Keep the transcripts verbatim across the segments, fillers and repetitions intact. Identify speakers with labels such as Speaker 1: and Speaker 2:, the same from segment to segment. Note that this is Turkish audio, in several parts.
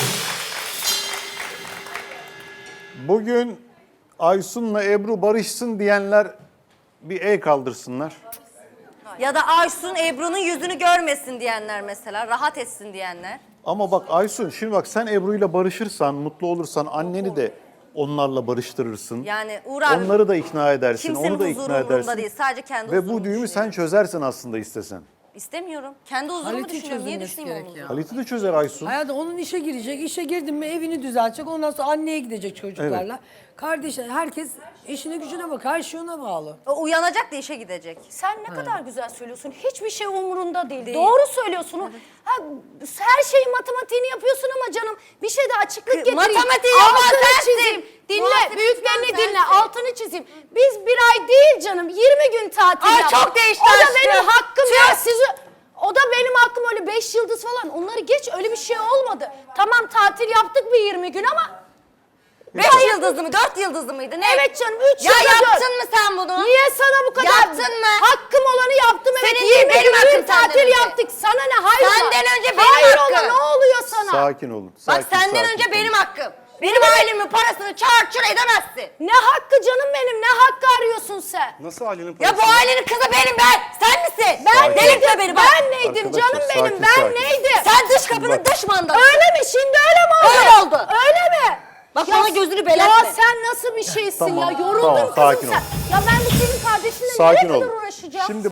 Speaker 1: Bugün Aysun'la Ebru barışsın diyenler bir el kaldırsınlar.
Speaker 2: Ya da Aysun Ebru'nun yüzünü görmesin diyenler mesela, rahat etsin diyenler.
Speaker 1: Ama bak Aysun, şimdi bak sen Ebru'yla barışırsan, mutlu olursan anneni de onlarla barıştırırsın.
Speaker 2: Yani Uğur abi,
Speaker 1: onları da ikna edersin,
Speaker 2: kimsenin
Speaker 1: onu da
Speaker 2: huzuru
Speaker 1: ikna
Speaker 2: umurumda
Speaker 1: edersin.
Speaker 2: değil, sadece kendi
Speaker 1: Ve
Speaker 2: huzurumu
Speaker 1: bu düğümü sen
Speaker 2: düşünüyorum.
Speaker 1: çözersin aslında istesen.
Speaker 2: İstemiyorum. Kendi huzurumu
Speaker 3: Halit'i
Speaker 2: düşünüyorum. Niye
Speaker 3: çözülmesi
Speaker 2: düşüneyim
Speaker 3: gerek
Speaker 2: onu?
Speaker 3: ya.
Speaker 1: Halit'i de çözer Aysun.
Speaker 3: Hayatım onun işe girecek. İşe girdin mi evini düzeltecek. Ondan sonra anneye gidecek çocuklarla. Kardeşler herkes işine gücüne bak. Her şey ona bağlı.
Speaker 2: O uyanacak da işe gidecek.
Speaker 4: Sen ne kadar güzel söylüyorsun. Hiçbir şey umurunda değil.
Speaker 2: Değil.
Speaker 4: Doğru söylüyorsun. Ha, her şeyin matematiğini yapıyorsun ama canım bir şey de açıklık getireyim.
Speaker 2: Matematiği yapan
Speaker 4: Altını
Speaker 2: sensin.
Speaker 4: çizeyim. Dinle,
Speaker 2: Muhasebeci
Speaker 4: büyüklerini
Speaker 2: sensin.
Speaker 4: dinle. Altını çizeyim. Biz bir ay değil canım. yirmi gün tatil
Speaker 2: Ay,
Speaker 4: yaptık.
Speaker 2: çok değişti
Speaker 4: O da
Speaker 2: aşkım.
Speaker 4: benim hakkım
Speaker 2: Tüh.
Speaker 4: ya. Sizi... O da benim hakkım, öyle beş yıldız falan. Onları geç, öyle bir şey olmadı. Tamam tatil yaptık bir yirmi gün ama...
Speaker 2: Beş yıldızlı mı, dört yıldızlı mıydı? Ne?
Speaker 4: Evet canım, üç
Speaker 2: Ya
Speaker 4: yıldız.
Speaker 2: yaptın mı sen bunu?
Speaker 4: Niye sana bu kadar?
Speaker 2: Yaptın mı?
Speaker 4: Hakkım olanı yaptım. Evet,
Speaker 2: Senin değil,
Speaker 4: yirmi
Speaker 2: benim
Speaker 4: gün
Speaker 2: hakkım senden
Speaker 4: tatil
Speaker 2: önce.
Speaker 4: yaptık. Sana ne? Hayır.
Speaker 2: Senden önce benim
Speaker 4: Hayır
Speaker 2: hakkım.
Speaker 4: ola, ne oluyor sana?
Speaker 1: Sakin olun.
Speaker 2: Bak
Speaker 1: sakin,
Speaker 2: senden
Speaker 1: sakin
Speaker 2: önce
Speaker 1: olun.
Speaker 2: benim hakkım. Benim ailemin parasını çarçur edemezsin.
Speaker 4: Ne hakkı canım benim? Ne hakkı arıyorsun sen?
Speaker 5: Nasıl ailenin
Speaker 2: Ya
Speaker 5: parası?
Speaker 2: bu ailenin kızı benim ben. Sen misin?
Speaker 4: Ben
Speaker 1: Sakin.
Speaker 2: Delirtme beni bak.
Speaker 4: Ben neydim
Speaker 1: Arkadaşlar,
Speaker 4: canım benim?
Speaker 1: sakin,
Speaker 4: Ben
Speaker 1: sakin.
Speaker 4: neydim?
Speaker 2: Sen dış kapının
Speaker 1: Bak.
Speaker 2: dış mandalı.
Speaker 4: Öyle mi? Şimdi öyle mi oldu?
Speaker 2: Öyle oldu.
Speaker 4: Öyle mi?
Speaker 2: Bak bana gözünü belertme.
Speaker 4: Ya sen nasıl bir şeysin
Speaker 1: Tamam,
Speaker 4: ya? Yoruldum
Speaker 1: tamam,
Speaker 4: kızım
Speaker 1: sakin
Speaker 4: sen.
Speaker 1: ol.
Speaker 4: Ya ben bu senin kardeşinle
Speaker 1: Sakin
Speaker 4: nereye
Speaker 1: ol.
Speaker 4: kadar uğraşacağım?
Speaker 1: Şimdi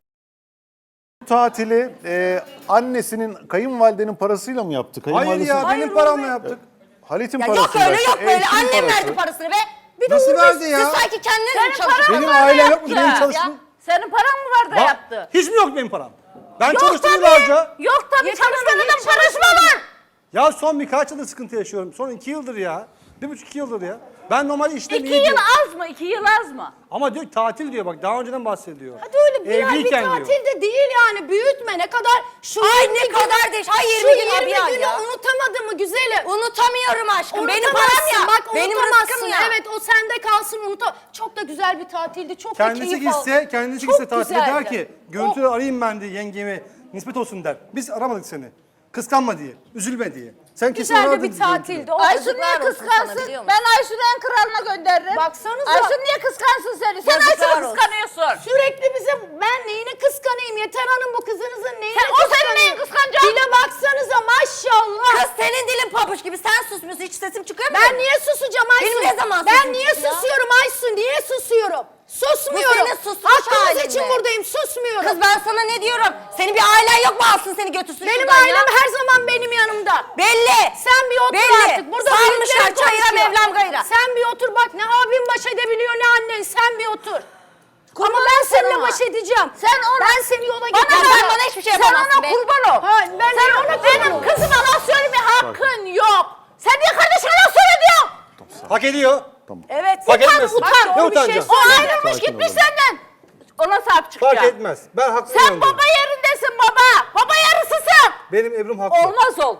Speaker 1: bu tatili e, annesinin, kayınvalidenin parasıyla mı yaptı?
Speaker 5: Hayır
Speaker 1: Kayınvalidesi-
Speaker 5: ya, benim paramla yaptık.
Speaker 1: Halit'in
Speaker 2: Ya
Speaker 1: parası.
Speaker 2: yok öyle yok böyle. Annem verdi parasını be. Bir de
Speaker 5: Nasıl
Speaker 2: Uğur
Speaker 5: verdi
Speaker 2: Bey,
Speaker 5: ya?
Speaker 2: Siz sanki kendiniz mi
Speaker 4: Senin
Speaker 2: çalışıyorsunuz?
Speaker 5: Benim ailem yok mu? Benim
Speaker 2: Ya.
Speaker 5: çalıştım.
Speaker 6: Senin paran mı var da
Speaker 5: Bak,
Speaker 6: yaptı?
Speaker 5: hiç mi yok benim param? Ben
Speaker 6: Yok
Speaker 5: çalıştım
Speaker 6: tabii.
Speaker 5: yıllarca.
Speaker 6: Yok tabii,
Speaker 4: Yeter Hanım,
Speaker 6: çalışmanın
Speaker 4: hiç
Speaker 6: parası mı
Speaker 4: çalışmadım.
Speaker 6: var?
Speaker 5: Ya son birkaç yıldır sıkıntı yaşıyorum. Son iki yıldır ya. Bir buçuk iki yıldır ya. Ben normal işten
Speaker 6: İki
Speaker 5: iyi
Speaker 6: yıl
Speaker 5: diyor.
Speaker 6: az mı? İki yıl az mı?
Speaker 5: Ama diyor tatil diyor bak, daha önceden bahsediyor.
Speaker 4: Hadi öyle bir ay bir
Speaker 5: Evliyken
Speaker 4: tatil
Speaker 5: diyor.
Speaker 4: de değil yani. Büyütme ne kadar. Şu
Speaker 2: Ay
Speaker 4: yirmi
Speaker 2: ne
Speaker 4: gün-
Speaker 2: kadar değil. Ay
Speaker 4: Şu
Speaker 2: yirmi gün abi
Speaker 4: yirmi
Speaker 2: ya.
Speaker 4: günü unutamadın mı güzelim?
Speaker 2: Unutamıyorum aşkım. Benim param
Speaker 4: Unutamazsın,
Speaker 2: ya.
Speaker 4: Bak
Speaker 2: Benim
Speaker 4: unutamazsın.
Speaker 2: rızkım ya.
Speaker 4: Evet o sende kalsın unuta. Çok da güzel bir tatildi. Çok da
Speaker 5: Kendisi
Speaker 4: keyif aldım.
Speaker 5: gitse, kendisi
Speaker 4: Çok
Speaker 5: gitse tatile
Speaker 4: güzeldi.
Speaker 5: der ki, görüntüleri arayayım ben diye yengemi, nispet olsun der. Biz aramadık seni. Kıskanma diye, üzülme diye. Sen kesin
Speaker 4: Güzel de
Speaker 5: aradın
Speaker 4: bir
Speaker 5: görüntüleri.
Speaker 4: tatildi. O
Speaker 6: Aysun niye
Speaker 2: Yazıklar olsun sana,
Speaker 6: kıskansın?
Speaker 2: biliyor musun?
Speaker 6: Ben Aysun'u en kralına gönderirim.
Speaker 4: Baksanıza.
Speaker 6: Aysun niye kıskansın seni? Sen
Speaker 2: Yazıklar
Speaker 6: Aysun'u
Speaker 2: olsun.
Speaker 6: kıskanıyorsun.
Speaker 4: Sürekli bize ben neyini kıskanayım Yeter Hanım, bu kızınızın neyini
Speaker 6: Sen- o senin neyin kıskanacak?
Speaker 4: Dile baksanıza maşallah.
Speaker 2: Kız senin dilin pabuç gibi. Sen susmuyorsun. Hiç sesim çıkıyor mu?
Speaker 4: Ben niye susacağım Aysun?
Speaker 2: Benim ne zaman
Speaker 4: Ben
Speaker 2: sesim
Speaker 4: niye
Speaker 2: çıktı ya?
Speaker 4: susuyorum Aysun? Niye susuyorum? Susmuyorum.
Speaker 2: Bu senin susmuş
Speaker 4: Hakkınız
Speaker 2: halin
Speaker 4: için
Speaker 2: mi?
Speaker 4: buradayım, susmuyorum.
Speaker 2: Kız ben sana ne diyorum? Senin bir ailen yok mu, alsın seni götürsün
Speaker 4: Benim
Speaker 2: şuradan
Speaker 4: ailem
Speaker 2: ya?
Speaker 4: her zaman benim yanımda.
Speaker 2: Belli.
Speaker 4: Sen bir otur
Speaker 2: Belli.
Speaker 4: artık. Burada
Speaker 2: Sarmışlar
Speaker 4: büyüklerin
Speaker 2: çayıra
Speaker 4: konuşuyor.
Speaker 2: Mevlam gayra.
Speaker 4: Sen bir otur bak, ne abim baş edebiliyor ne annen. Sen bir otur. Ama ben
Speaker 6: sen
Speaker 4: seninle
Speaker 6: ona.
Speaker 4: baş edeceğim.
Speaker 6: Sen ona-
Speaker 4: Ben seni yola
Speaker 6: Bana
Speaker 4: getireceğim.
Speaker 6: ver.
Speaker 2: Sen bana hiçbir şey
Speaker 6: Sen
Speaker 2: yapamazsın
Speaker 6: ona
Speaker 2: be.
Speaker 6: kurban ol.
Speaker 4: Ha, ben
Speaker 6: Sen
Speaker 4: ona
Speaker 6: benim
Speaker 4: kurban ol.
Speaker 6: kızıma laf söyleme hakkın yok. Sen niye kardeşine laf söylüyorsun?
Speaker 5: Hak ediyor.
Speaker 4: Evet.
Speaker 5: Fark
Speaker 4: utan,
Speaker 5: etmez.
Speaker 4: utan.
Speaker 5: Ne
Speaker 4: Doğru bir şey
Speaker 5: utanacağız?
Speaker 6: O
Speaker 4: söyle.
Speaker 6: ayrılmış
Speaker 1: Sakin
Speaker 6: gitmiş
Speaker 1: olun.
Speaker 6: senden. Ona sahip çıkacak.
Speaker 5: Fark etmez. Ben haklı
Speaker 6: Sen
Speaker 5: yanındayım.
Speaker 6: baba yerindesin baba. Baba yarısısın.
Speaker 5: Benim Ebru'm haklı.
Speaker 6: Olmaz ol.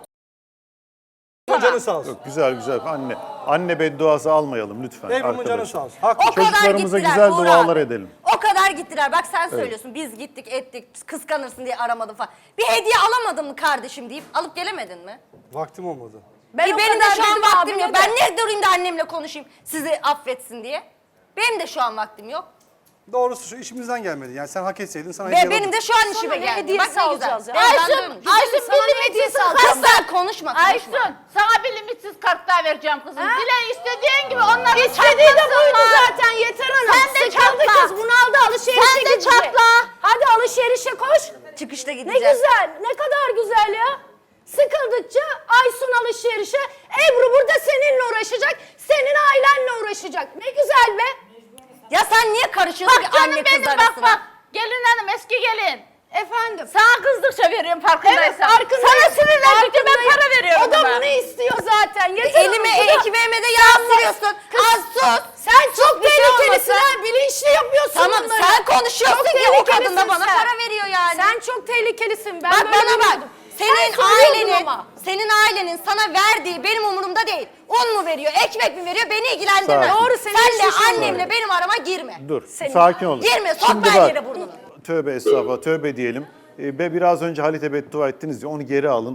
Speaker 5: Ebru'mun canı sağ olsun.
Speaker 1: Yok, güzel güzel. Anne anne bedduası almayalım lütfen
Speaker 5: Ebru'mun canı
Speaker 1: arkadaşlar.
Speaker 5: sağ olsun. Haklı.
Speaker 2: O kadar
Speaker 1: Çocuklarımıza
Speaker 2: gittiler
Speaker 1: güzel
Speaker 2: Uğur
Speaker 1: dualar
Speaker 2: abi.
Speaker 1: edelim.
Speaker 2: O kadar gittiler. Bak sen söylüyorsun. Biz gittik ettik. Kıskanırsın diye aramadım falan. Bir hediye alamadın mı kardeşim deyip alıp gelemedin mi?
Speaker 5: Vaktim olmadı.
Speaker 4: Ben
Speaker 2: E
Speaker 4: o
Speaker 2: benim de
Speaker 4: kadar
Speaker 2: şu an
Speaker 4: dedim
Speaker 2: vaktim
Speaker 4: abime
Speaker 2: yok.
Speaker 4: de.
Speaker 2: Ben ne durayım da annemle konuşayım sizi affetsin diye. Benim de şu an vaktim yok.
Speaker 5: Doğrusu şu işimizden gelmedi. Yani sen hak etseydin sana
Speaker 2: Ve
Speaker 5: hediye
Speaker 2: benim
Speaker 5: alırdım.
Speaker 2: de şu an
Speaker 4: Sana
Speaker 2: işime
Speaker 4: ne
Speaker 2: geldi.
Speaker 4: hediyesi
Speaker 2: Bak ne güzel.
Speaker 4: alacağız ya?
Speaker 2: Evden
Speaker 6: Aysun,
Speaker 2: dönmüş.
Speaker 6: Aysun
Speaker 4: sana
Speaker 6: bir
Speaker 4: ne hediyesi
Speaker 6: limitsiz
Speaker 4: alacağız?
Speaker 2: Kızlar
Speaker 6: kartlar.
Speaker 2: konuşma konuşma.
Speaker 6: Aysun sana bir limitsiz kartlar vereceğim kızım.
Speaker 4: Ha?
Speaker 6: Dile istediğin gibi onları
Speaker 4: İstediği de buydu
Speaker 6: çatlasınlar.
Speaker 4: zaten Yeter Hanım.
Speaker 6: Sen de
Speaker 4: Sıkıldı
Speaker 6: çatla.
Speaker 4: kız, bunaldı, alışverişe
Speaker 6: Sen de
Speaker 4: gidecek.
Speaker 6: çatla.
Speaker 4: Hadi alışverişe koş.
Speaker 2: Çıkışta
Speaker 4: Ne
Speaker 2: gideceğiz.
Speaker 4: güzel, ne kadar güzel ya. Sıkıldıkça Aysun alışverişe, Ebru burada seninle uğraşacak, senin ailenle uğraşacak. Ne güzel be.
Speaker 2: Ya sen niye karışıyorsun
Speaker 6: Bak
Speaker 2: ki anne
Speaker 6: canım
Speaker 2: kız
Speaker 6: benim bak
Speaker 2: arasına?
Speaker 6: bak. Gelin hanım eski gelin.
Speaker 4: Efendim.
Speaker 6: Sana kızdıkça veriyorum farkındaysan.
Speaker 4: Evet, farkındayım.
Speaker 6: Sana sinirlendikçe ben
Speaker 4: Farkındayım.
Speaker 6: para veriyorum.
Speaker 4: O da
Speaker 6: ona.
Speaker 4: bunu istiyor zaten.
Speaker 2: E,
Speaker 4: Yeter
Speaker 2: elime,
Speaker 4: Hanım, bu da-
Speaker 2: ekmeğime de yağ sürüyorsun. Az sus.
Speaker 4: Sen çok
Speaker 2: Bir şey
Speaker 4: tehlikelisin
Speaker 2: olmasa-
Speaker 4: ha, bilinçli yapıyorsun
Speaker 2: Tamam
Speaker 4: bunları.
Speaker 2: sen konuşuyorsun
Speaker 4: Çok
Speaker 2: ki o kadın da
Speaker 4: tehlikelisin
Speaker 2: bana
Speaker 4: sen.
Speaker 2: para veriyor yani.
Speaker 4: Sen çok tehlikelisin. Ben
Speaker 2: Bak
Speaker 4: böyle
Speaker 2: bana bak.
Speaker 4: bilmiyordum.
Speaker 2: Senin
Speaker 4: Sen söylüyordun
Speaker 2: ailenin,
Speaker 4: ama.
Speaker 2: senin ailenin sana verdiği benim umurumda değil. Un mu veriyor, ekmek mi veriyor beni ilgilendirmez.
Speaker 1: Sakin.
Speaker 4: Doğru, senin
Speaker 2: Sen de
Speaker 4: işin şu.
Speaker 2: annemle benim arama girme.
Speaker 1: Dur,
Speaker 4: Senin-
Speaker 1: sakin olun.
Speaker 2: Girme, sokma
Speaker 1: Şimdi
Speaker 2: her
Speaker 1: bak,
Speaker 2: yere burnunu.
Speaker 1: Tövbe estağfurullah, tövbe diyelim. Ee, Ve biraz önce Halit'e beddua ettiniz ya, onu geri alın.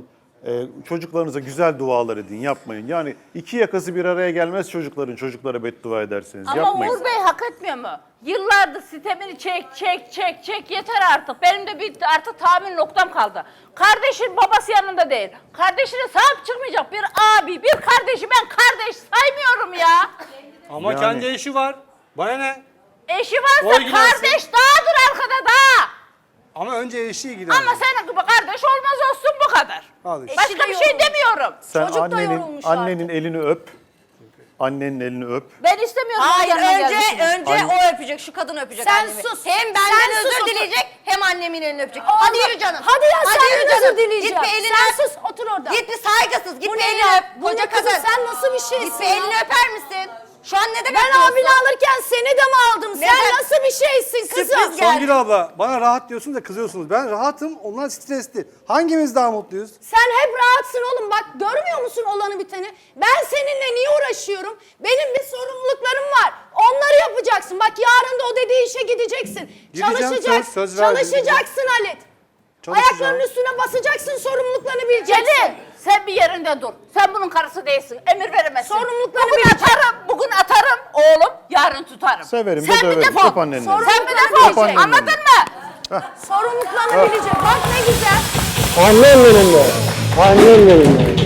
Speaker 1: Ee, çocuklarınıza güzel dualar edin, yapmayın. Yani iki yakası bir araya gelmez çocukların, çocuklara beddua ederseniz.
Speaker 6: Ama
Speaker 1: yapmayın.
Speaker 6: Uğur Bey hak etmiyor mu? Yıllardır sitemini çek, çek, çek, çek yeter artık. Benim de bir artık tahammül noktam kaldı. Kardeşin babası yanında değil. Kardeşine sahip çıkmayacak bir abi, bir kardeşi ben kardeş saymıyorum ya.
Speaker 5: Ama
Speaker 1: Yani-
Speaker 5: kendi eşi var. Bana ne?
Speaker 6: Eşi varsa
Speaker 5: O ilgilensin.
Speaker 6: kardeş dağdır arkada dağ.
Speaker 5: Ama önce eşi ilgilensin.
Speaker 6: Ama senin gibi kardeş olmaz olsun bu kadar.
Speaker 5: Al işte.
Speaker 6: Başka bir şey demiyorum.
Speaker 1: Sen
Speaker 4: Çocuk da
Speaker 1: annenin,
Speaker 4: yorulmuş
Speaker 1: annenin elini öp. Annenin elini öp.
Speaker 6: Ben istemiyorum.
Speaker 2: Hayır
Speaker 6: onun yanına
Speaker 2: önce
Speaker 6: gelmesini.
Speaker 2: önce
Speaker 1: Anne-
Speaker 2: o öpecek, şu kadın öpecek
Speaker 4: Sen
Speaker 2: annemi.
Speaker 4: sus.
Speaker 2: Hem benden
Speaker 4: Sen
Speaker 2: özür
Speaker 4: sus, otur.
Speaker 2: dileyecek hem annemin elini öpecek.
Speaker 4: Oğlum,
Speaker 2: Hadi yürü canım.
Speaker 4: Hadi ya
Speaker 2: yürü
Speaker 4: sen
Speaker 2: canım.
Speaker 4: özür dileyeceğim.
Speaker 2: Git bir elini
Speaker 4: Sen
Speaker 2: öp.
Speaker 4: sus otur orada.
Speaker 2: Git bir saygısız. Git
Speaker 4: Bu
Speaker 2: bir
Speaker 4: ne
Speaker 2: elini
Speaker 4: ya?
Speaker 2: öp.
Speaker 4: Bu
Speaker 2: Koca
Speaker 4: ne kızım?
Speaker 2: kadın.
Speaker 4: Sen nasıl bir şeysin
Speaker 2: Git bir
Speaker 4: ya?
Speaker 2: elini öper misin? Şu an ne demek
Speaker 4: Ben
Speaker 2: diyorsun?
Speaker 4: abini alırken seni de mi aldım? Sen
Speaker 2: Neden?
Speaker 4: nasıl bir şeysin kızım?
Speaker 2: Sürpriz geldi.
Speaker 5: Songül abla bana rahat diyorsunuz da kızıyorsunuz. Ben rahatım, onlar stresli. Hangimiz daha mutluyuz?
Speaker 4: Sen hep rahatsın oğlum. Bak görmüyor musun olanı biteni? Ben seninle niye uğraşıyorum? Benim bir sorumluluklarım var. Onları yapacaksın. Bak yarın da o dediği işe gideceksin.
Speaker 5: Gideceğim,
Speaker 4: Çalışacaksın.
Speaker 5: söz- söz verdim,
Speaker 4: Çalışacaksın Halit.
Speaker 5: Çalışacağım.
Speaker 4: Ayaklarının üstüne basacaksın, sorumluluklarını bileceksin.
Speaker 6: Celil sen bir yerinde dur. Sen bunun karısı değilsin. Emir veremezsin.
Speaker 4: Sorumluluklarını
Speaker 6: bugün
Speaker 4: bileceksin.
Speaker 6: atarım, bugün atarım oğlum, yarın tutarım.
Speaker 1: Severim de
Speaker 6: sen bir
Speaker 1: döverim.
Speaker 6: defol.
Speaker 1: Öp anneni.
Speaker 6: Sen bir
Speaker 4: Sorumluluklarını
Speaker 6: defol.
Speaker 4: bileceksin.
Speaker 6: Anladın mı?
Speaker 4: Sorumluluklarını bilecek. Bak ne güzel.
Speaker 7: Annem benim de. Annem benim de.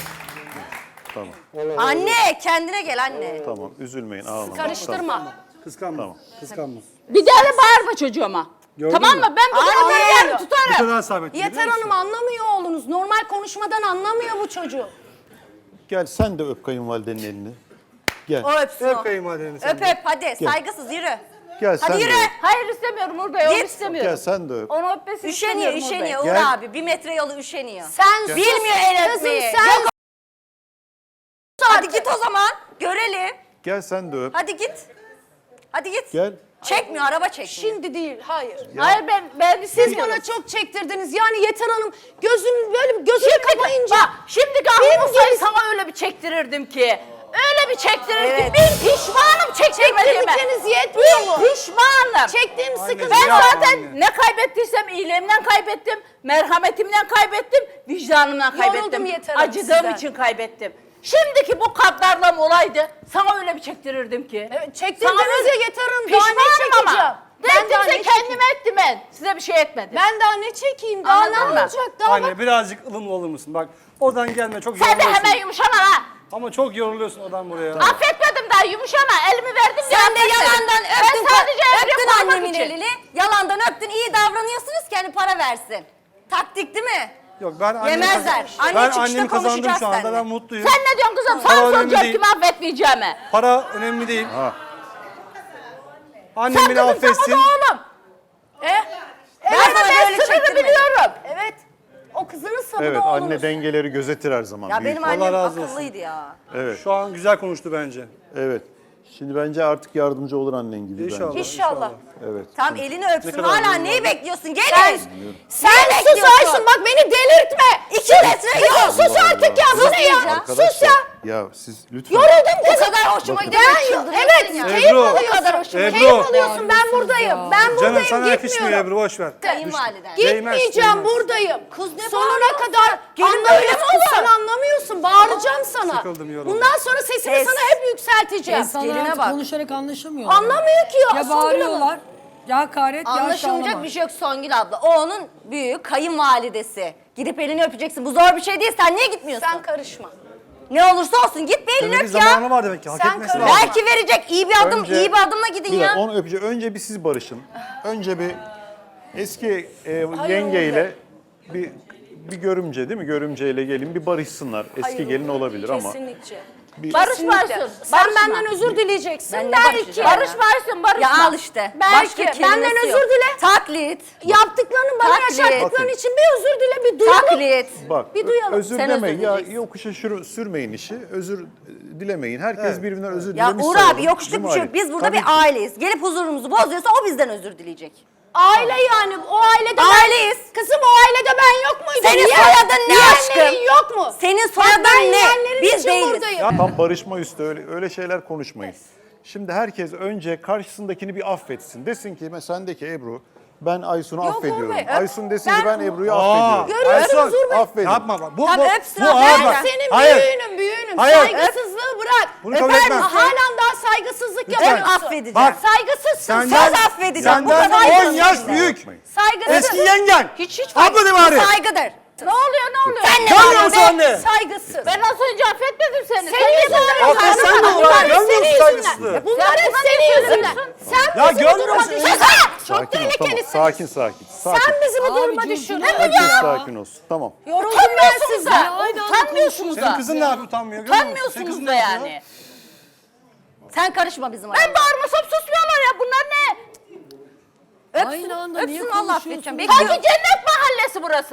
Speaker 2: Anne kendine gel anne.
Speaker 1: Tamam, üzülmeyin, ağlamayın.
Speaker 4: Karıştırma.
Speaker 5: Kıskanma.
Speaker 1: Tamam.
Speaker 5: Kıskanma.
Speaker 6: Bir daha da bağırma çocuğuma.
Speaker 5: Gördün
Speaker 6: tamam
Speaker 5: mü?
Speaker 6: mı? Ben bugün
Speaker 4: Anne.
Speaker 6: atarım, yarın
Speaker 5: Bu
Speaker 6: tutarım.
Speaker 5: kadar sabit.
Speaker 4: Yeter Hanım anlamıyor oğlunuz. Normal konuşmadan anlamıyor bu çocuğu.
Speaker 1: Gel sen de öp kayınvalidenin elini. Gel.
Speaker 2: O öpsün o.
Speaker 5: Öp kayınvalideni sen
Speaker 2: Öp
Speaker 5: de.
Speaker 2: öp hadi saygısız yürü.
Speaker 1: Gel sen
Speaker 2: Hadi
Speaker 1: de
Speaker 2: yürü.
Speaker 1: öp.
Speaker 6: Hayır istemiyorum Uğur Bey, onu
Speaker 2: Git.
Speaker 6: istemiyorum.
Speaker 1: Gel sen de öp.
Speaker 6: Onu öpmesini
Speaker 2: Üşeniyor
Speaker 6: istemiyorum Uğur Bey.
Speaker 2: üşeniyor Uğur
Speaker 1: Gel.
Speaker 2: abi. Bir metre yolu üşeniyor.
Speaker 4: Sen sus.
Speaker 2: Bilmiyor el
Speaker 4: Kızım
Speaker 2: öpmeyi.
Speaker 4: sen
Speaker 2: Yok. Hadi git o zaman. Görelim.
Speaker 1: Gel sen de öp.
Speaker 2: Hadi git. Hadi git.
Speaker 1: Gel.
Speaker 2: Çekmiyor araba çekmiyor.
Speaker 4: Şimdi değil, hayır.
Speaker 6: Hayır ben, ben
Speaker 4: Siz bana çok çektirdiniz. Yani Yeter Hanım gözüm böyle bir gözünü kapayınca.
Speaker 6: Bak şimdiki
Speaker 4: Benim
Speaker 6: aklım olsaydı
Speaker 4: gibi-
Speaker 6: sana öyle bir çektirirdim ki. Öyle bir çektirirdim.
Speaker 2: Evet.
Speaker 6: Bir pişmanım çektirmediğime.
Speaker 4: Çektirdikleriniz yetmiyor mu?
Speaker 6: Bir pişmanım.
Speaker 4: Çektiğim sıkıntı.
Speaker 6: Ben
Speaker 5: Yapma
Speaker 6: zaten
Speaker 5: anne.
Speaker 6: ne kaybettiysem iyiliğimden kaybettim, merhametimden kaybettim, vicdanımdan
Speaker 4: Yoruldum
Speaker 6: kaybettim.
Speaker 4: Yeter Hanım
Speaker 6: Acıdığım
Speaker 4: sizden.
Speaker 6: için kaybettim. Şimdiki bu kaddarlığım olaydı, sana öyle bir çektirirdim ki.
Speaker 4: Evet, çektirdiniz
Speaker 6: Sana öyle-
Speaker 4: ya Yeter Hanım. Daha ne
Speaker 6: Pişmanım
Speaker 4: çekeceğim?
Speaker 6: ama.
Speaker 4: Ben
Speaker 6: Ben
Speaker 4: daha ne
Speaker 6: ettimse kendime ettim ben. Size bir şey etmedim.
Speaker 4: Ben daha ne çekeyim? Daha ne
Speaker 6: Anladın mı?
Speaker 4: olacak? Daha bak.
Speaker 5: Anne birazcık ılımlı olur musun? Bak oradan gelme çok
Speaker 6: Sen de
Speaker 5: yoruluyorsun.
Speaker 6: hemen yumuşama ha.
Speaker 5: Ama çok yoruluyorsun oradan buraya.
Speaker 6: Affetmedim daha yumuşama. Elimi verdim diye
Speaker 2: Sen de
Speaker 6: affetmedim.
Speaker 2: yalandan öptün,
Speaker 6: Ben sadece
Speaker 2: öptün
Speaker 6: emri koymak
Speaker 2: annemin
Speaker 6: için.
Speaker 2: elini. Yalandan öptün, iyi davranıyorsunuz ki hani para versin. Taktik değil mi?
Speaker 5: Yok ben annemi
Speaker 2: Yemezler.
Speaker 5: kazan-
Speaker 2: Anne
Speaker 5: ben
Speaker 2: çıkışta
Speaker 5: annemi kazandım
Speaker 2: konuşacağız
Speaker 5: şu anda.
Speaker 2: seninle.
Speaker 5: Ben mutluyum.
Speaker 6: Sen ne diyorsun kızım?
Speaker 5: Para
Speaker 6: Sana
Speaker 5: önemli
Speaker 6: soracağım
Speaker 5: değil.
Speaker 6: kimi affetmeyeceğimi.
Speaker 5: Para önemli değil.
Speaker 1: Ha.
Speaker 5: Annem
Speaker 6: Sen
Speaker 5: beni
Speaker 6: kızım sen
Speaker 5: affetsin.
Speaker 6: o da oğlum.
Speaker 4: E?
Speaker 2: Ben
Speaker 6: Evet
Speaker 2: sana
Speaker 6: ben
Speaker 2: böyle
Speaker 6: sırrını
Speaker 2: çektirmedim.
Speaker 6: biliyorum.
Speaker 4: Evet. O kızının sabı
Speaker 1: Evet,
Speaker 4: da oğlunuz.
Speaker 1: anne dengeleri gözetir her zaman.
Speaker 2: Ya
Speaker 1: büyük.
Speaker 2: benim
Speaker 5: Allah
Speaker 2: annem
Speaker 5: razı olsun.
Speaker 2: akıllıydı ya.
Speaker 1: Evet,
Speaker 5: Şu an güzel konuştu bence.
Speaker 1: evet. Şimdi bence artık yardımcı olur annen gibi
Speaker 5: İnşallah.
Speaker 1: bence.
Speaker 4: İnşallah.
Speaker 1: Evet.
Speaker 2: Tam elini öpsün.
Speaker 5: kadar
Speaker 2: Hala
Speaker 5: memnun
Speaker 2: neyi
Speaker 5: oldum.
Speaker 2: bekliyorsun? Gelin.
Speaker 4: Sen, sen
Speaker 2: Ne
Speaker 4: sus
Speaker 2: bekliyorsun?
Speaker 4: Aysun bak beni delirtme.
Speaker 2: İki metre yok.
Speaker 4: Kızım sus artık ya. Bu ne ya?
Speaker 1: Arkadaşlar,
Speaker 4: Sus ya.
Speaker 1: Ya siz lütfen.
Speaker 4: Yoruldum
Speaker 2: O
Speaker 4: kızım.
Speaker 2: kadar hoşuma gidiyor.
Speaker 4: Ben,
Speaker 2: çıldırıyorsun
Speaker 4: evet
Speaker 2: ya.
Speaker 4: keyif
Speaker 5: Ebru,
Speaker 4: alıyorsun.
Speaker 5: Ebru.
Speaker 4: Keyif alıyorsun ben buradayım. Ben
Speaker 5: Canım
Speaker 4: buradayım
Speaker 5: sana yakışmıyor
Speaker 4: gitmiyorum.
Speaker 5: Ebru boş ver.
Speaker 2: Kayınvaliden.
Speaker 4: Gitmeyeceğim
Speaker 5: Değmez,
Speaker 4: buradayım.
Speaker 2: Kız ne
Speaker 4: Sonuna
Speaker 2: bağırıyorsun?
Speaker 4: kadar
Speaker 2: Gelin
Speaker 4: anlamıyorsun.
Speaker 2: böyle mi olur?
Speaker 4: Sen anlamıyorsun. Bağıracağım sana.
Speaker 5: Sıkıldım, yoruldum.
Speaker 4: Bundan sonra sesimi
Speaker 2: Ses.
Speaker 4: sana hep yükselteceğim.
Speaker 3: İnsanlar
Speaker 2: Geline
Speaker 3: artık
Speaker 2: bak.
Speaker 3: konuşarak anlaşamıyorlar.
Speaker 4: Anlamıyor ki ya.
Speaker 3: Ya
Speaker 4: Songül Hanım.
Speaker 3: bağırıyorlar, ya hakaret, ya
Speaker 2: Anlaşılmayacak
Speaker 3: aşağılama.
Speaker 2: bir şey yok Songül abla. O onun büyük kayınvalidesi. Gidip elini öpeceksin. Bu zor bir şey değil. Sen niye gitmiyorsun?
Speaker 4: Sen karışma.
Speaker 2: Ne olursa olsun git bir elini
Speaker 5: Demek ki
Speaker 2: öp
Speaker 5: zamanı
Speaker 2: ya.
Speaker 5: var demek ki. Hak
Speaker 4: Sen
Speaker 5: etmesi
Speaker 4: karışma.
Speaker 5: lazım.
Speaker 2: Belki verecek. İyi bir adım,
Speaker 1: Önce-
Speaker 2: iyi bir adımla gidin
Speaker 1: Bir
Speaker 2: ya.
Speaker 1: dakika, onu öpeceğim. Önce bir siz barışın. Önce bir eski e,
Speaker 4: Hayır,
Speaker 1: yengeyle bir bir görümce değil mi? Görümceyle gelin bir barışsınlar. Eski
Speaker 4: Hayır,
Speaker 1: gelin olabilir ama.
Speaker 4: Kesinlikle.
Speaker 1: Bir,
Speaker 6: Barışmarsın.
Speaker 4: Sen benden özür dileyeceksin.
Speaker 2: Ben ne
Speaker 4: belki.
Speaker 2: barışacağım?
Speaker 6: Barışmarsın barışma.
Speaker 2: Ya al işte.
Speaker 4: Belki.
Speaker 2: Başka
Speaker 4: Benden
Speaker 2: kelimesi
Speaker 4: özür
Speaker 2: yok.
Speaker 4: dile.
Speaker 2: Taklit.
Speaker 4: Yaptıklarını bana
Speaker 2: Taklit.
Speaker 4: yaşattıkların
Speaker 1: Bakın.
Speaker 4: için bir özür dile, bir duyalım.
Speaker 2: Taklit.
Speaker 1: Bak
Speaker 4: Bir duyalım.
Speaker 1: özür
Speaker 2: Sen
Speaker 1: demeyin.
Speaker 2: özür
Speaker 1: Ya
Speaker 2: dileyeceksin.
Speaker 1: yokuşa şür- sürmeyin işi. Özür e, dilemeyin. Herkes birbirinden özür
Speaker 2: Ya
Speaker 1: dilemiş
Speaker 2: Uğur
Speaker 1: sayalım.
Speaker 2: abi yokuşluk bir şey
Speaker 1: Cumali.
Speaker 2: yok. Biz burada
Speaker 1: Tabii
Speaker 2: bir
Speaker 1: ki.
Speaker 2: aileyiz. Gelip huzurumuzu bozuyorsa o bizden özür dileyecek.
Speaker 4: Aile yani. O ailede
Speaker 2: Aileyiz.
Speaker 4: ben... Kızım o ailede ben yok muydum?
Speaker 2: Senin
Speaker 4: Yeğen-
Speaker 2: soyadın ne
Speaker 4: yeğenlerin
Speaker 2: aşkım?
Speaker 4: yok mu?
Speaker 2: Senin
Speaker 4: Bak ben
Speaker 2: soyadın ne?
Speaker 4: yeğenlerin
Speaker 2: Biz
Speaker 4: için
Speaker 2: değiliz.
Speaker 4: buradayım.
Speaker 1: Ya tam barışma üstü öyle, öyle şeyler konuşmayın. Şimdi herkes önce karşısındakini bir affetsin. Desin ki mesela sendeki Ebru Ben Aysun'u
Speaker 4: Yok
Speaker 1: affediyorum.
Speaker 4: Uğur Bey, öp.
Speaker 1: Aysun desin ki
Speaker 4: Ben-
Speaker 1: ben Ebru'yu
Speaker 5: Aa,
Speaker 1: affediyorum.
Speaker 4: Görüyorsunuz Uğur Bey.
Speaker 1: Affedin.
Speaker 5: Yapma bak. Bu,
Speaker 2: Tamam,
Speaker 5: bu,
Speaker 2: öpsün
Speaker 5: bu
Speaker 2: abi.
Speaker 5: ağır
Speaker 4: Ben
Speaker 5: bak.
Speaker 4: senin
Speaker 5: Hayır.
Speaker 4: büyüğünüm büyüğünüm.
Speaker 5: Hayır.
Speaker 4: Saygısızlığı bırak.
Speaker 5: Bunu kabul
Speaker 4: Efendim
Speaker 5: etmem.
Speaker 4: halen daha saygısızlık
Speaker 5: Lütfen.
Speaker 4: yapıyorsun.
Speaker 2: Affedeceğim.
Speaker 5: Bak.
Speaker 4: Saygısızsın.
Speaker 5: Senden,
Speaker 4: Söz affedeceğim. Bu
Speaker 5: senden
Speaker 4: kadar
Speaker 5: on yaş
Speaker 4: saygısızsın.
Speaker 5: büyük.
Speaker 4: Saygısız.
Speaker 5: Eski yengen.
Speaker 4: Hiç hiç
Speaker 5: Abla de bari.
Speaker 2: Saygıdır.
Speaker 6: Ne oluyor ne oluyor?
Speaker 4: Sen ne
Speaker 5: Görmüyor
Speaker 4: bağırıyorsun
Speaker 5: musun
Speaker 4: be?
Speaker 5: anne?
Speaker 4: Saygısız.
Speaker 6: Ben az önce affetmedim seni.
Speaker 4: Senin yüzünden.
Speaker 5: Affet sen de
Speaker 4: Bunlar
Speaker 5: ulan,
Speaker 4: hep
Speaker 5: görmüyor
Speaker 4: senin
Speaker 5: musun
Speaker 4: yüzünden.
Speaker 5: saygısızlığı?
Speaker 4: Bunlar
Speaker 6: Sen
Speaker 4: hep
Speaker 6: buna
Speaker 4: senin
Speaker 6: ne
Speaker 4: yüzünden.
Speaker 6: söylüyorsun?
Speaker 4: Sen
Speaker 5: Ya
Speaker 4: bizi bu
Speaker 5: görmüyor
Speaker 4: duruma
Speaker 5: musun?
Speaker 4: düşürdün. Çok
Speaker 1: Sakin ol, tamam.
Speaker 4: tehlikelisin.
Speaker 1: Sakin sakin. Sakin.
Speaker 4: Sen bizi bu
Speaker 3: Abi,
Speaker 4: duruma
Speaker 3: dur,
Speaker 4: düşürdün.
Speaker 3: dur.
Speaker 4: Ne bu
Speaker 1: Herkes
Speaker 4: ya?
Speaker 1: sakin olsun. Tamam.
Speaker 4: Yoruldum ben
Speaker 6: Utanmıyorsunuz
Speaker 4: sizden.
Speaker 6: da.
Speaker 3: Aynı anda
Speaker 6: Utanmıyorsunuz
Speaker 5: Senin
Speaker 6: da.
Speaker 5: kızın ne yapıyor utanmıyor? görmüyor musun? Senin
Speaker 6: Utanmıyorsunuz
Speaker 5: kızın
Speaker 6: da
Speaker 5: ne yapıyor?
Speaker 6: yani.
Speaker 2: Sen karışma bizim
Speaker 6: Ben
Speaker 2: aramıza.
Speaker 6: bağırmasam susmuyorlar ya. Bunlar ne?
Speaker 2: Öpsün,
Speaker 3: Aynı anda niye
Speaker 2: öpsün Allah
Speaker 3: konuşuyorsun?
Speaker 2: affedeceğim.
Speaker 6: Sanki
Speaker 2: Bekliyorum.
Speaker 6: cennet mahallesi burası.